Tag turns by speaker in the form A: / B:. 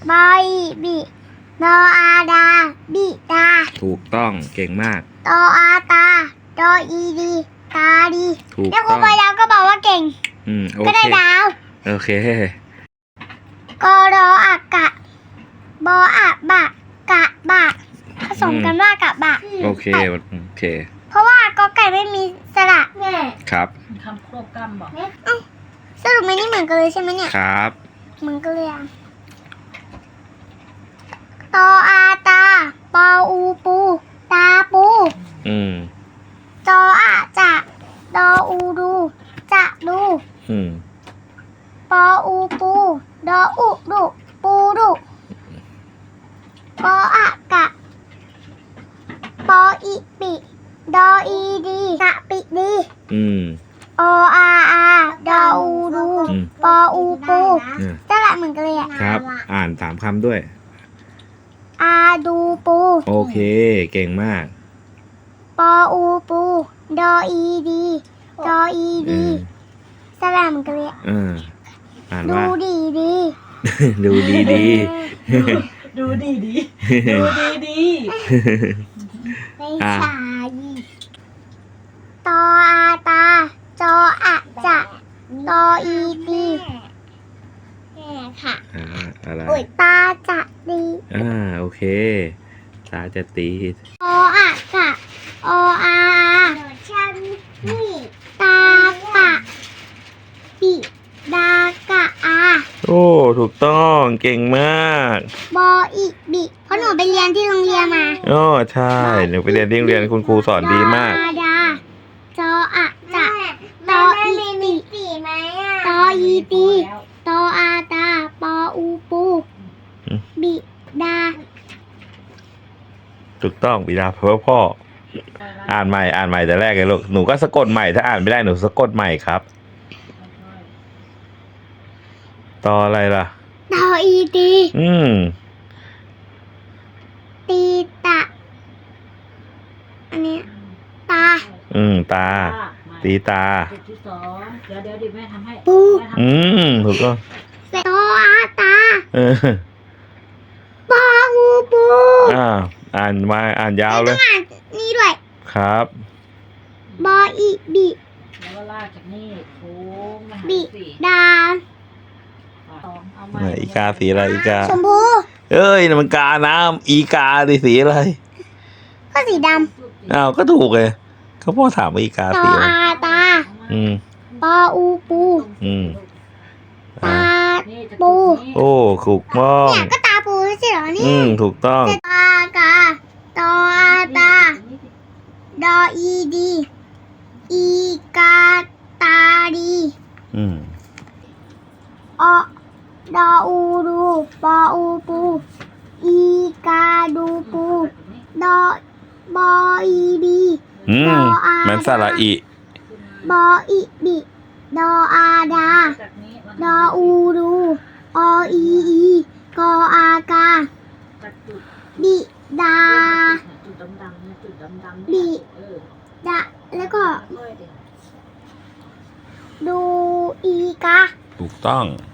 A: บออีบิดออาดาบิดา
B: ถูกต้องเก่งมาก
A: ตออาตาดออีดีตาดี
B: ถูก
A: แล้วครู
B: ต้อง
A: ปายาวก็บอกว่าเก่ง
B: โอ
A: ก็
B: เค
A: ได้ดาว
B: โอเค
A: กอรออากะบออะบะกะบะผสมกันว่ากะบะ
B: โอเค
A: เพราะว่ากอไก่ไม่มีสระแม่
B: ครับ
C: คำควบกำบอก
A: สรุปไม่นี่เหมือนกันเลยใช่ไหมเนี่ย
B: ครับ
A: เหมือนกันเลยอะตออาตาปออูปูตาปูตออะจะดออูดูจะดูปออูปูดออุดุปูดุปออะกะปออีปิดออีดีกะปิดีออาดออูดูปออูปูจะละเหมือนกันเลยอะ
B: ครับอ่าน3คำด้วย
A: อาดูปู
B: โอเคเก่งมาก
A: ปออูปูดออีดีดออีดีสลามกันเลย
B: อ่าน
A: ดู
B: ว่า
A: ดีดี
B: ดูดีดี
C: ดูดีดีดูดีดี
A: ไม่ใช่ตออาตาจออะจะตออีดีแม่ค่ะ
B: อะไร
A: ตาจะดี
B: โอเคตาจะตี
A: ออะกะออาฉันนี่ตาปะปิดากะอา
B: โอ้ถูกต้องเก่งมาก
A: บออีบิเพราะหนูไปเรียนที่โรงเรียนมา
B: ใช่หนูไปเรียนที่โรงเรียนคุณครูสอนดีมาก
A: ดาจออะจะตออีปีไหมตออีตีตออาตาปออูปูบิดา
B: ถูกต้องบิดาเพราะพ่ออ่านใหม่แต่แรกเลยลูกหนูก็สะกดใหม่ถ้าอ่านไม่ได้หนูสะกดใหม่ครับตออะไรล่ะ
A: ตออีตีตีตะอันนี้ตา
B: ตาตีตา
C: เดี๋ยวแม่ทำให้
A: ปู
B: ถูกต้อง
A: ตออาตาปออูปู
B: อ่านยาวเลย
A: นี่ด้วย
B: ครับ
A: บออีบิ
C: แล้วก็ลากจากนี่โค้งมา
A: บิดา
B: อีกาสีอะไรอีกา
A: ชมพู
B: มันกาน้ำอีกาสีอะไร
A: ก็สีด
B: ำก็ถูกเลยเขาพ่อถามว่าอีกาสีอะไร
A: ตออาตาปออูปูตาปู
B: โอ้ถูกต้อง
A: เนี่ยก็ตาปูใช่เหรอนี่
B: ถูกต้อง
A: ตากาตออาตาดออีดีอีกาตาดีดออูดูปออูปูอีกาดูปูดอบออีบี
B: ดออามันสระอี
A: บออีบิดออาดาดออูดูออีกออากาบิดาบิดาแล้วก็ดูอีกา
B: ถูกต้อง